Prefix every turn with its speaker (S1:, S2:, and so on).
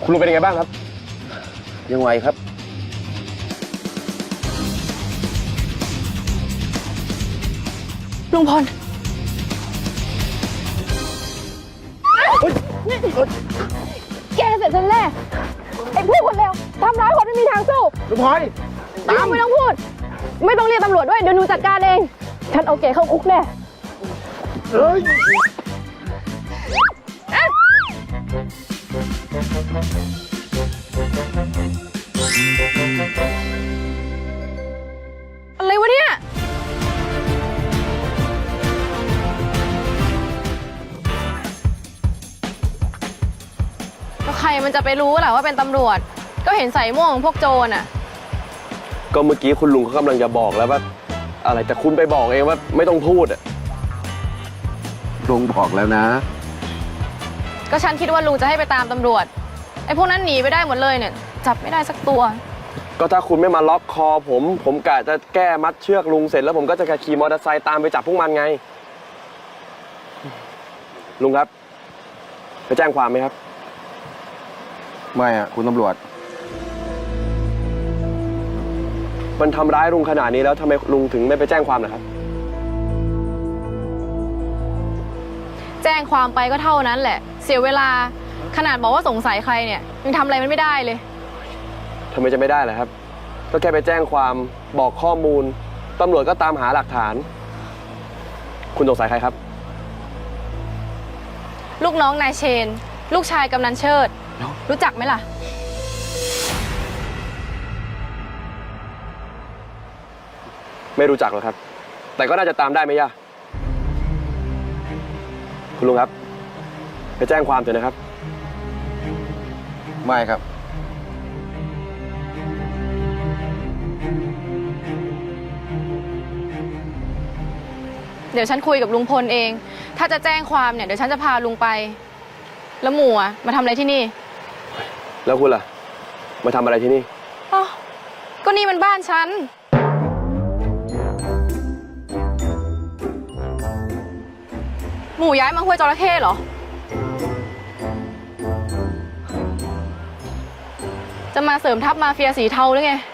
S1: คุณลุงเป็นยังไงบ้างครับ
S2: ยังไหวครับ
S3: ลุงพลแกเสร็จฉันแน่ไอ้พวกคนเลวทำร้ายคนไม่มีทางสู้
S1: ลุงพลอยตาม
S3: ไม่ต้องพูด ไม่ต้องเรียกตำรวจด้วยเดี๋ยวหนูจัดการเองฉันเอาแกเข้าคุกแน่
S1: เฮ้ย
S3: อะไรวะเนี่ยก็ใครมันจะไปรู้ล่ะว่าเป็นตำรวจก็เห็นใส่ม่วงพวกโจรอ่ะ
S1: ก็เมื่อกี้คุณลุงเขากำลังจะบอกแล้วว่าอะไรแต่คุณไปบอกเองว่าไม่ต้องพูดอ่ะ
S2: ลุงบอกแล้วนะ
S3: ก็ฉันคิดว่าลุงจะให้ไปตามตำรวจไอ้พวกนั้นหนีไปได้หมดเลยเนี่ยจับไม่ได้สักตัว
S1: ก็ถ้าคุณไม่มาล็อกคอผมกะจะแก้มัดเชือกลุงเสร็จแล้วผมก็จะขี่มอเตอร์ไซค์ตามไปจับพวกมันไงลุงครับไปแจ้งความไหมครับ
S2: ไม่อ่ะคุณตำรวจ
S1: มันทำร้ายลุงขนาดนี้แล้วทำไมลุงถึงไม่ไปแจ้งความล่ะครับ
S3: แจ้งความไปก็เท่านั้นแหละเสียเวลาขนาดบอกว่าสงสัยใครเนี่ยยังทำอะไรมันไม่ได้เลย
S1: ทำไมจะไม่ได้ล่ะครับก็แค่ไปแจ้งความบอกข้อมูลตำรวจก็ตามหาหลักฐานคุณสงสัยใครครับ
S3: ลูกน้องนายเชนลูกชายกำนันเชิดรู้จักไหมล่ะ
S1: ไม่รู้จักหรอกครับแต่ก็น่าจะตามได้ไม่ยากคุณลุงครับไปแจ้งความเถอะนะครับ
S2: ไม่ครับ
S3: เดี๋ยวฉันคุยกับลุงพลเองถ้าจะแจ้งความเนี่ยเดี๋ยวฉันจะพาลุงไปแล้วหมู่มาทำอะไรที่นี่
S1: แล้วคุณล่ะมาทำอะไรที่นี่
S3: อ๋อก็นี่มันบ้านฉันหมู่ย้ายมาห้วยจระเข้เหรอจะมาเสริมทัพมาเฟียสีเทาหรือไง